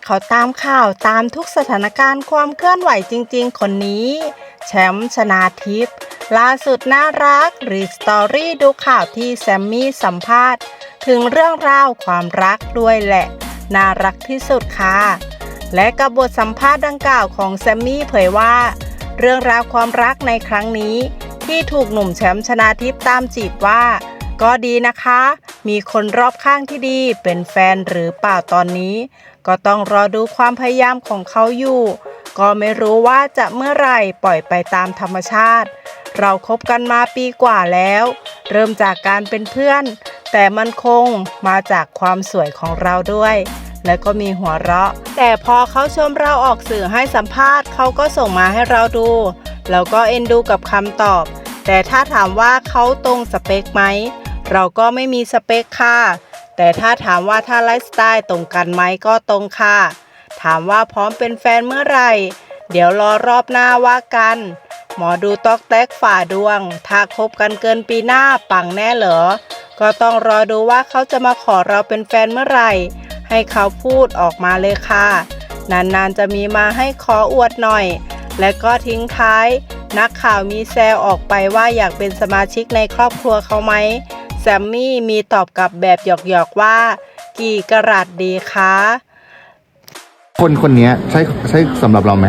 เขาตามข่าวตามทุกสถานการณ์ความเคลื่อนไหวจริงๆคนนี้แชมป์ชนาทิพย์ล่าสุดน่ารักรีสตอรี่ดูข่าวที่แซมมี่สัมภาษณ์ถึงเรื่องราวความรักด้วยแหละน่ารักที่สุดค่ะและกับบทสัมภาษณ์ดังกล่าวของแซมมี่เผยว่าเรื่องราวความรักในครั้งนี้ที่ถูกหนุ่มแชมป์ชนาทิพย์ตามจีบว่าก็ดีนะคะมีคนรอบข้างที่ดีเป็นแฟนหรือเปล่าตอนนี้ก็ต้องรอดูความพยายามของเขาอยู่ก็ไม่รู้ว่าจะเมื่อไหร่ปล่อยไปตามธรรมชาติเราคบกันมาปีกว่าแล้วเริ่มจากการเป็นเพื่อนแต่มันคงมาจากความสวยของเราด้วยและก็มีหัวเราะแต่พอเขาชมเราออกสื่อให้สัมภาษณ์เขาก็ส่งมาให้เราดูแล้วก็เอ็นดูกับคำตอบแต่ถ้าถามว่าเขาตรงสเปคไหมเราก็ไม่มีสเปคค่ะแต่ถ้าถามว่าถ้าไลฟ์สไตล์ตรงกันไหมก็ตรงค่ะถามว่าพร้อมเป็นแฟนเมื่อไหร่เดี๋ยวรอรอบหน้าว่ากันหมอดูตอกแตกฝ่าดวงถ้าคบกันเกินปีหน้าปังแน่เหรอก็ต้องรอดูว่าเขาจะมาขอเราเป็นแฟนเมื่อไหร่ให้เขาพูดออกมาเลยค่ะนานๆจะมีมาให้ขออวดหน่อยและก็ทิ้งท้ายนักข่าวมีแซวออกไปว่าอยากเป็นสมาชิกในครอบครัวเขาไหมแซมมี่มีตอบกลับแบบหยอกๆว่ากี่กะรัตดีคะคนนี้ใช่สำหรับเราไหม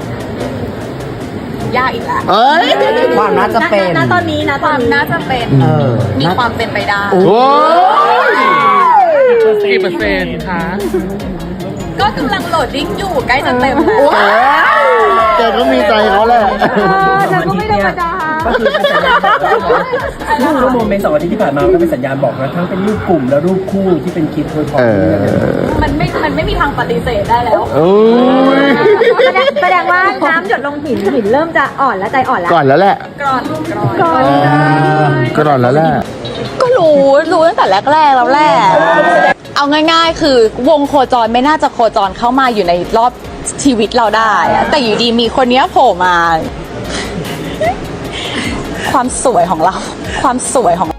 ยากอีกแล้วเอ้ยความน่าจะเป็นตอนนี้นะความน่าจะเป็นมีความเป็นไปได้โอ้ยกี่เปอร์เซ็นต์คะก็กำลังโหลดดิ้งอยู่ใกล้จะเต็มแล้วแกก็มีใจเขาแหละฉันก็ไม่ธรรมดาก็คือเป็นสัญญาณบอกรูปโมเมนต์2 อาทิตย์ที่ผ่านมาก็เป็นสัญญาณบอกนะทั้งเป็นรูปกลุ่มและรูปคู่ที่เป็นคลิปโดยพอมันไม่มีทางปฏิเสธได้แล้วแสดงว่าน้ำหยดลงหินเริ่มจะอ่อนแล้วใจอ่อนแล้วก่อนแล้วแหละก่อนแล้วแหละก็รู้ตั้งแต่แรกแล้วแหละเอาง่ายๆคือวงโคจรไม่น่าจะโคจรเข้ามาอยู่ในรอบชีวิตเราได้แต่อยู่ดีมีคนนี้โผล่มาความสวยของเรา